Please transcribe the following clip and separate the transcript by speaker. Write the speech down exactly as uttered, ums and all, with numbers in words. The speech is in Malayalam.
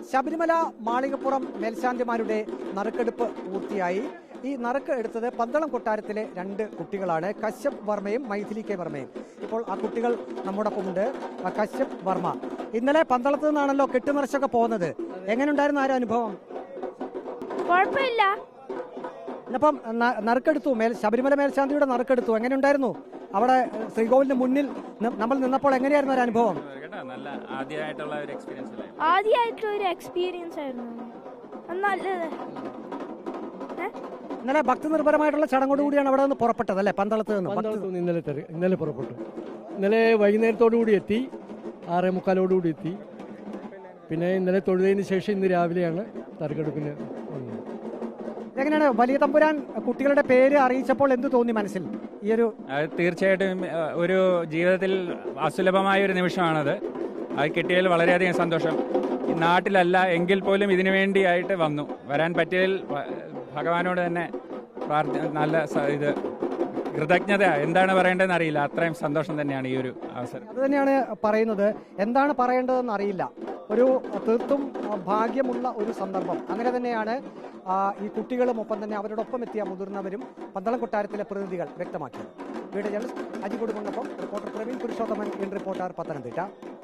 Speaker 1: ശബരിമല മാളികപ്പുറം മേൽശാന്തിമാരുടെ നറുക്കെടുപ്പ് പൂർത്തിയായി. ഈ നറുക്ക് എടുത്തത് പന്തളം കൊട്ടാരത്തിലെ രണ്ട് കുട്ടികളാണ്, കശ്യപ് വർമ്മയും മൈഥിലി കെ വർമ്മയും. ഇപ്പോൾ ആ കുട്ടികൾ നമ്മോടൊപ്പമുണ്ട്. കശ്യപ് വർമ്മ, ഇന്നലെ പന്തളത്ത് നിന്നാണല്ലോ കെട്ടുനിറച്ചൊക്കെ പോകുന്നത്, എങ്ങനെയുണ്ടായിരുന്നു ആ ഒരു അനുഭവം?
Speaker 2: കുഴപ്പമില്ല.
Speaker 1: ഇന്നിപ്പം നറുക്കെടുത്തു, മേൽ ശബരിമല മേൽശാന്തിയുടെ നറുക്കെടുത്തു, എങ്ങനെയുണ്ടായിരുന്നു അവിടെ ശ്രീകോവിലിന് മുന്നിൽ നമ്മൾ നിന്നപ്പോൾ? എങ്ങനെയായിരുന്നു ഒരു അനുഭവം?
Speaker 3: നല്ല ആദ്യമായിട്ടുള്ള ഒരു എക്സ്പീരിയൻസ്
Speaker 2: ആദ്യമായിട്ടുള്ള ഒരു എക്സ്പീരിയൻസ് ആയിരുന്നു. നല്ലത്.
Speaker 1: ഇന്നലെ ഭക്തി നിർഭരമായിട്ടുള്ള ചടങ്ങോടുകൂടിയാണ് അവിടെ നിന്ന് പുറപ്പെട്ടത് അല്ലേ, പന്തളത്ത് നിന്ന്?
Speaker 4: ഇന്നലെ ഇന്നലെ പുറപ്പെട്ടു. ഇന്നലെ വൈകുന്നേരത്തോടു കൂടി എത്തി, ആറേ മുക്കാലോടുകൂടി എത്തി. പിന്നെ ഇന്നലെ തൊഴുതതിന് ശേഷം ഇന്ന് രാവിലെയാണ് നറുക്കെടുപ്പിന് വന്നത്.
Speaker 1: എങ്ങനെയാണ് വലിയ തമ്പുരാൻ കുട്ടികളുടെ പേര് അറിയിച്ചപ്പോൾ എന്ത് തോന്നി മനസ്സിൽ? ഈ ഒരു
Speaker 3: തീർച്ചയായിട്ടും ഒരു ജീവിതത്തിൽ അസുലഭമായ ഒരു നിമിഷമാണത്. അത് കിട്ടിയതിൽ വളരെയധികം സന്തോഷം. നാട്ടിലല്ല എങ്കിൽ പോലും ഇതിനു വേണ്ടിയായിട്ട് വന്നു. വരാൻ പറ്റിയതിൽ ഭഗവാനോട് തന്നെ പ്രാർത്ഥന, നല്ല ഇത് കൃതജ്ഞത എന്താണ് പറയേണ്ടതെന്ന് അറിയില്ല. അത്രയും സന്തോഷം തന്നെയാണ് ഈ ഒരു അവസരം.
Speaker 1: അത് തന്നെയാണ് പറയുന്നത്, എന്താണ് പറയേണ്ടതെന്ന് അറിയില്ല. ഒരു തീർത്തും ഭാഗ്യമുള്ള ഒരു സന്ദർഭം. അങ്ങനെ തന്നെയാണ് ഈ കുട്ടികളും ഒപ്പം തന്നെ അവരോടൊപ്പം എത്തിയ മുതിർന്നവരും പന്തളം കൊട്ടാരത്തിലെ പ്രതിനിധികൾ വ്യക്തമാക്കിയത്. വീഡിയോ ജേർണലിസ്റ്റ് അജി കൊടുക്കുന്നൊപ്പം reporter Praveen Purushothaman, in reporter, Pathanamthitta.